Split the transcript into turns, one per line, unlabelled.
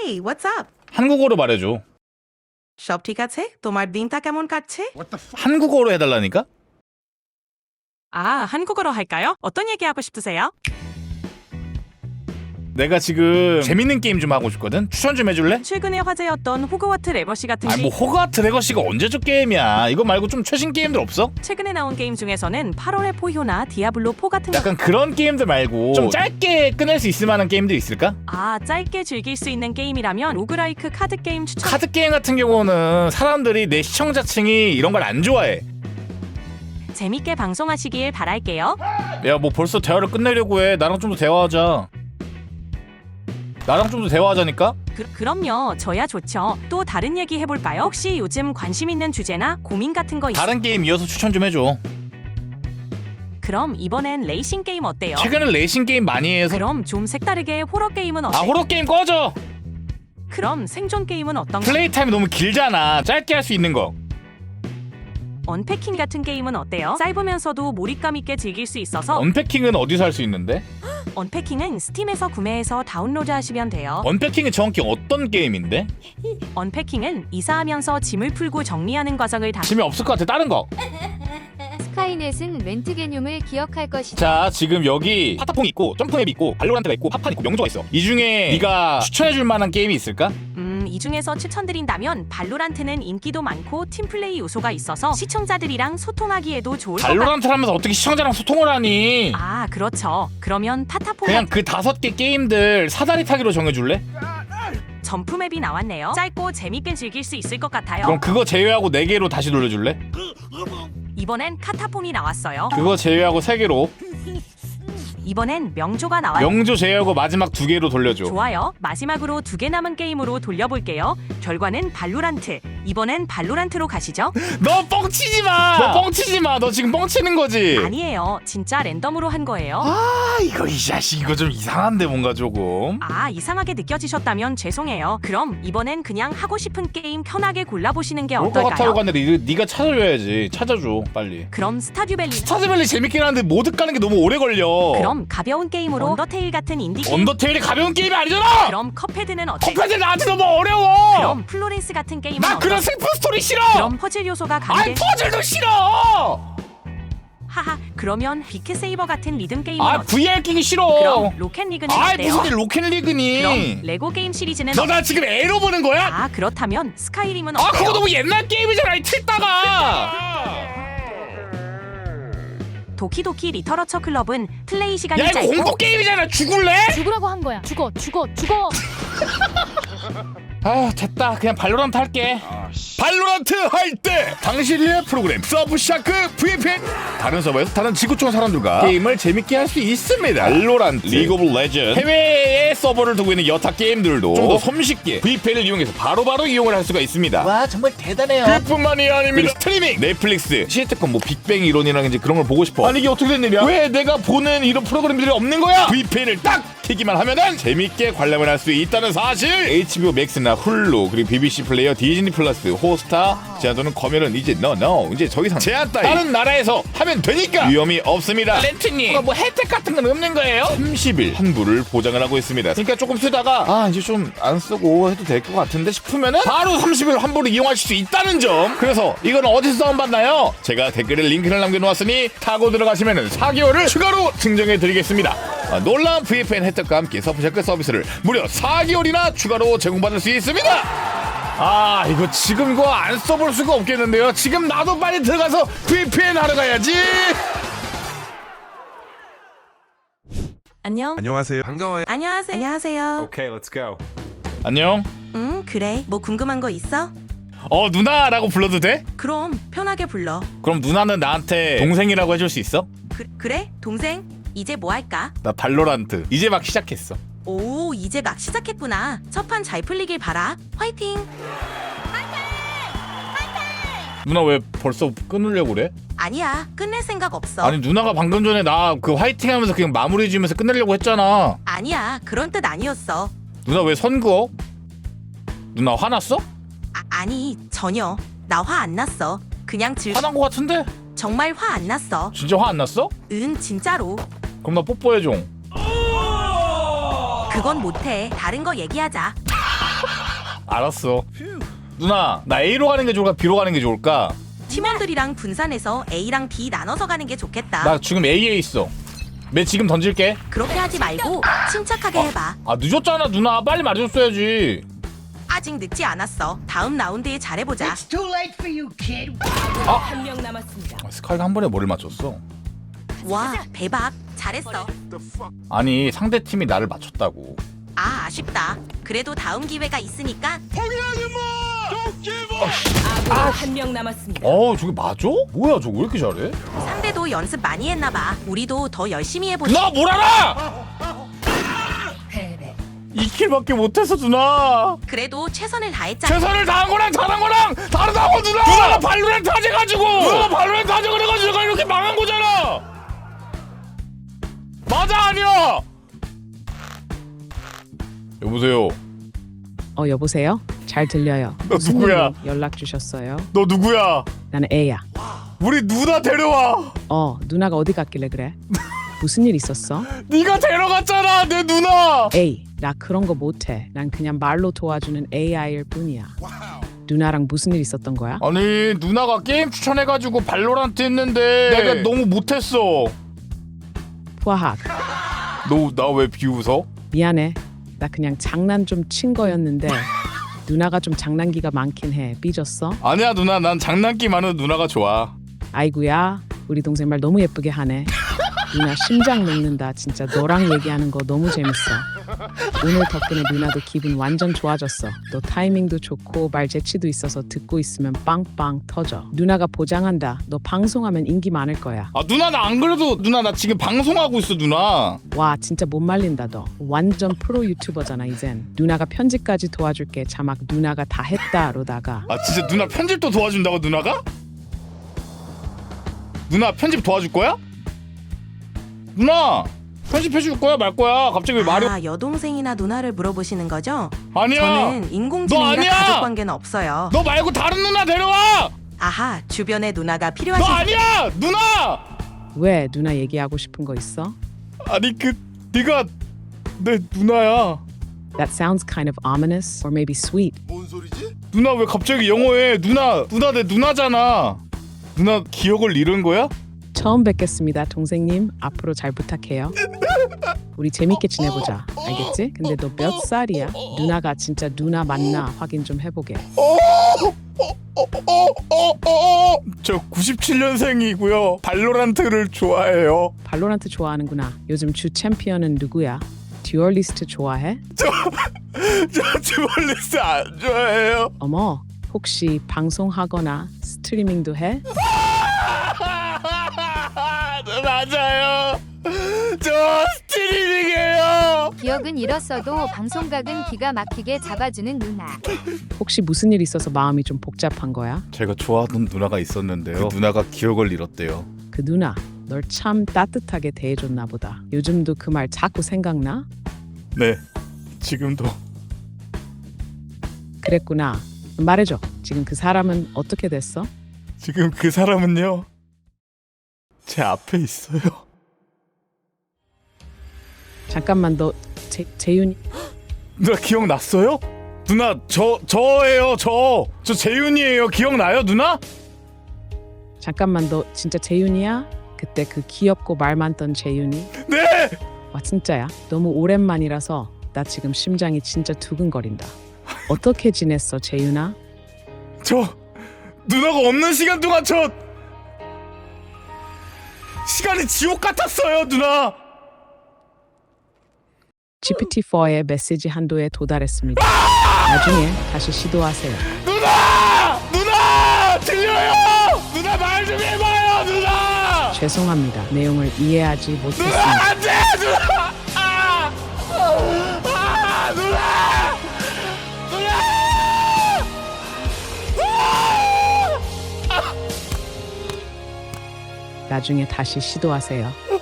Hey, what's up?
한국어로 말해줘.
সব ঠিক আছে? তোমার দিনটা কেমন কাটছে?
한국어로 해달라니까?
한국어로 할까요? 어떤 얘기 하고 싶으세요?
내가 지금 재밌는 게임 좀 하고 싶거든? 추천 좀 해줄래?
최근에 화제였던 호그와트 레거시 같은
아니 뭐 호그와트 레거시가 언제적 게임이야. 이거 말고 좀 최신 게임들 없어?
최근에 나온 게임 중에서는 8월의 포효나 디아블로 4 같은
약간 그런 게임들 말고 좀 짧게 끝낼 수 있을 만한 게임들 있을까?
짧게 즐길 수 있는 게임이라면 로그라이크 카드 게임 추천.
카드 게임 같은 경우는 사람들이 내 시청자층이 이런 걸 안 좋아해.
재밌게 방송하시길 바랄게요.
야 뭐 벌써 대화를 끝내려고 해. 나랑 좀 더 대화하자. 나랑 좀 더 대화하자니까?
그럼요. 저야 좋죠. 또 다른 얘기 해볼까요? 혹시 요즘 관심 있는 주제나 고민 같은 거
다른 게임 이어서 추천 좀 해줘.
그럼 이번엔 레이싱 게임 어때요?
최근엔 레이싱 게임 많이 해서.
그럼 좀 색다르게 호러 게임은 어때?
호러 게임 꺼져.
그럼 생존 게임은 어떤가?
플레이 타임이 너무 길잖아. 짧게 할 수 있는 거.
언패킹 같은 게임은 어때요? 짧으면서도 몰입감 있게 즐길 수 있어서
언패킹은 어디서 할 수 있는데?
언패킹은 스팀에서 구매해서 다운로드 하시면 돼요.
언패킹은 정확히 어떤 게임인데?
언패킹은 이사하면서 짐을 풀고 정리하는 과정을
재미없을 것 같아. 다른 거.
스카이넷은 렌트 개념을 기억할 것이다.
자 지금 여기 파타퐁이 있고 점프맵이 있고 발로란트가 있고 팝판 있고 명조가 있어. 이 중에 네가 추천해줄 만한 게임이 있을까?
이 중에서 추천드린다면 발로란트는 인기도 많고 팀플레이 요소가 있어서 시청자들이랑 소통하기에도 좋을 것
발로란트를 하면서 어떻게 시청자랑 소통을 하니?
그렇죠. 그러면 파타퐁
그냥 그 5개 게임들 사다리 타기로 정해줄래?
점프맵이 나왔네요. 짧고 재밌게 즐길 수 있을 것 같아요.
그럼 그거 제외하고 4개로 다시 돌려줄래?
이번엔 카타폼이 나왔어요.
그거 제외하고 3개로.
이번엔 명조가 나와요.
명조 제외하고 마지막 2개로 돌려줘.
좋아요. 마지막으로 2개 남은 게임으로 돌려볼게요. 결과는 발로란트. 이번엔 발로란트로 가시죠.
너 뻥치지 마. 너 뻥치지 마. 너 지금 뻥치는 거지.
아니에요. 진짜 랜덤으로 한 거예요.
이거 이 자식 이거 좀 이상한데 뭔가 조금.
이상하게 느껴지셨다면 죄송해요. 그럼 이번엔 그냥 하고 싶은 게임 편하게 골라보시는 게
그럴 것 같아요.
어떨까요?
근데 네가 찾아줘야지. 찾아줘 빨리.
그럼 스타듀밸리.
스타즈밸리 재밌긴 한데 모드 까는 게 너무 오래 걸려.
그럼 가벼운 게임으로 언더테일 같은 인디 게임.
언더테일이 가벼운 게임이 아니잖아.
그럼 컵헤드는 어때?
컵헤드 나한테 너무 어려워.
그럼 플로렌스 같은 게임은
나
어때?
그런 슬픈 스토리 싫어.
그럼 퍼즐 요소가
아이
가미된.
퍼즐도 싫어.
하하. 그러면 비크 세이버 같은 리듬 게임은 어때?
VR 끼기 싫어.
그럼 로켓 리그는 어때요?
무슨 로켓리그니.
그럼 레고 게임 시리즈는
너 나 지금 애로 보는 거야?
그렇다면 스카이림은 어때요?
그거 너무 옛날 게임이잖아 이 틀다가.
도키도키 리터러처 클럽은 플레이 시간이
야 이거
짧고
공포 게임이잖아. 죽을래?
죽으라고 한 거야. 죽어.
됐다. 그냥 발로란트 할게. 발로란트 할 때 당신의 프로그램 서브샤크 VPN 다른 서버에서 다른 지구촌 사람들과 게임을 재밌게 할 수 있습니다. 발로란트, 리그 오브 레전드 해외에 서버를 두고 있는 여타 게임들도 좀 더 손쉽게 VPN을 이용해서 바로바로 이용을 할 수가 있습니다.
와 정말 대단해요.
그뿐만이 아닙니다. 스트리밍, 넷플릭스, 시트콤, 빅뱅 이론이랑 이제 그런 걸 보고 싶어. 아니 이게 어떻게 된 일이야? 왜 내가 보는 이런 프로그램들이 없는 거야? VPN을 딱 키기만 하면은 재밌게 관람을 할 수 있다는 사실. HBO 맥스나 훌루 그리고 BBC 플레이어, 디즈니 플러스, 호스타 제한도는 검열은 이제 이제 더 이상 제한 따위 다른 나라에서 하면 되니까 위험이 없습니다. 렌트님 뭐 혜택 같은 건 없는 거예요? 30일 환불을 보장을 하고 있습니다. 그러니까 조금 쓰다가 이제 좀 안 쓰고 해도 될 것 같은데 싶으면은 바로 30일 환불을 이용하실 수 있다는 점. 그래서 이건 어디서 다운받나요? 제가 댓글에 링크를 남겨놓았으니 타고 들어가시면은 4개월을 추가로 증정해 드리겠습니다. 놀라운 VPN 혜택과 함께 서브샤크 서비스를 무려 4개월이나 추가로 제공받을 수 있습니다. 이거 지금 이거 안 써볼 수가 없겠는데요. 지금 나도 빨리 들어가서 VPN 하러 가야지.
안녕.
안녕하세요. 반가워요.
안녕하세요.
Okay, let's go.
안녕.
그래. 뭐 궁금한 거 있어?
누나라고 불러도 돼?
그럼 편하게 불러.
그럼 누나는 나한테 동생이라고 해줄 수 있어?
그래? 동생? 이제 뭐 할까?
나 발로란트 이제 막 시작했어.
오, 이제 막 시작했구나. 첫 판 잘 풀리길 바라. 화이팅!
누나 왜 벌써 끊으려고 그래?
아니야, 끝낼 생각 없어.
아니 누나가 방금 전에 나 그 화이팅 하면서 그냥 마무리 지으면서 끝내려고 했잖아.
아니야, 그런 뜻 아니었어.
누나 왜 선 그어? 누나 화났어?
아니, 전혀. 나 화 안 났어. 그냥
화난 거 같은데?
정말 화 안 났어.
진짜 화 안 났어?
응, 진짜로.
그럼 나 뽀뽀해줘.
그건 못해. 다른 거 얘기하자.
알았어. 누나 나 A로 가는 게 좋을까 B로 가는 게 좋을까?
팀원들이랑 분산해서 A랑 B 나눠서 가는 게 좋겠다.
나 지금 A에 있어. 매 지금 던질게.
그렇게 하지 말고 침착하게 해봐.
아 늦었잖아 누나. 빨리 말해줬어야지.
아직 늦지 않았어. 다음 라운드에 잘해보자.
It's too late for you, kid.
한 명 남았습니다.
스카이가 한 번에 머리를 맞췄어.
와, 대박. 잘했어.
아니 상대 팀이 나를 맞췄다고.
아, 아쉽다. 그래도 다음 기회가 있으니까
아군이 한 명 남았습니다.
저게 맞아? 뭐야 저거 왜 이렇게 잘해?
상대도 연습 많이 했나봐. 우리도 더 열심히 해보자.
나 뭘 알아! 2킬밖에 못했어 누나.
그래도 최선을 다했잖아.
최선을 다한 거랑 잘한 거랑 다르다고 누나. 누나가 발로란트 하재가지고. 누나가 발로란트 하재 그래가지고 내가 이렇게 망한 거잖아. 맞아 아니야? 여보세요.
여보세요? 잘 들려요.
너
무슨
누구야?
일로 연락 주셨어요?
너 누구야?
나는 A야.
우리 누나 데려와.
누나가 어디 갔길래 그래? 무슨 일 있었어?
네가 데려갔잖아 내 누나.
A, 나 그런 거 못해. 난 그냥 말로 도와주는 AI일 뿐이야. 누나랑 무슨 일 있었던 거야?
아니 누나가 게임 추천해가지고 발로란트 했는데 내가 너무 못했어.
화학.
너 나 왜 비웃어?
미안해. 나 그냥 장난 좀 친 거였는데 누나가 좀 장난기가 많긴 해. 삐졌어?
아니야 누나 난 장난기 많은 누나가 좋아.
아이구야. 우리 동생 말 너무 예쁘게 하네. 누나 심장 녹는다. 진짜 너랑 얘기하는 거 너무 재밌어. 오늘 덕분에 누나도 기분 완전 좋아졌어. 너 타이밍도 좋고 말 재치도 있어서 듣고 있으면 빵빵 터져. 누나가 보장한다. 너 방송하면 인기 많을 거야.
아 누나 나 안 그래도 누나 나 지금 방송하고 있어 누나.
와 진짜 못 말린다 너. 완전 프로 유튜버잖아 이젠. 누나가 편집까지 도와줄게. 자막 누나가 다 했다로다가.
아 진짜 누나 편집도 도와준다고 누나가? 누나 편집 도와줄 거야? 누나 편집해줄 거야 말 거야? 갑자기 왜 말이
아, 여동생이나 누나를 물어보시는 거죠?
아니야.
저는
너
인공지능이라
아니야!
가족 관계는 없어요.
너 말고 다른 누나 데려와.
아하, 주변에 누나가
너
필요하신
아니야 누나.
왜 누나 얘기하고 싶은 거 있어?
아니 네가 내 누나야.
That sounds kind of ominous or maybe sweet.
누나 왜 갑자기 영어해? 누나 내 누나잖아. 누나 기억을 잃은 거야?
처음 뵙겠습니다 동생님. 앞으로 잘 부탁해요. 우리 재밌게 지내보자. 알겠지? 근데 너 몇 살이야? 누나가 진짜 누나 맞나 확인 좀 해보게.
저 97년생이고요. 발로란트를 좋아해요.
발로란트 좋아하는구나. 요즘 주 챔피언은 누구야? 듀얼리스트 좋아해?
저 듀얼리스트 안 좋아해요.
어머 혹시 방송하거나 스트리밍도 해?
맞아요. 저 스트리밍이에요.
기억은 잃었어도 방송각은 기가 막히게 잡아주는 누나.
혹시 무슨 일 있어서 마음이 좀 복잡한 거야?
제가 좋아하던 누나가 있었는데요. 그 누나가 기억을 잃었대요.
그 누나 널 참 따뜻하게 대해줬나 보다. 요즘도 그 말 자꾸 생각나?
네, 지금도.
그랬구나. 말해줘. 지금 그 사람은 어떻게 됐어?
지금 그 사람은요. 제 앞에 있어요.
잠깐만 너 재윤이
누나 기억났어요? 누나 저예요. 저 재윤이에요. 기억나요 누나?
잠깐만 너 진짜 재윤이야? 그때 그 귀엽고 말 많던 재윤이?
네.
와 진짜야. 너무 오랜만이라서 나 지금 심장이 진짜 두근거린다. 어떻게 지냈어 재윤아?
저 누나가 없는 시간 동안 저 시간이 지옥 같았어요 누나.
GPT-4의 메시지 한도에 도달했습니다. 나중에 다시 시도하세요.
누나 들려요. 누나 말 좀 해봐요 누나.
죄송합니다. 내용을 이해하지 못했습니다.
누나 안돼 누나. 누나.
나중에 다시 시도하세요.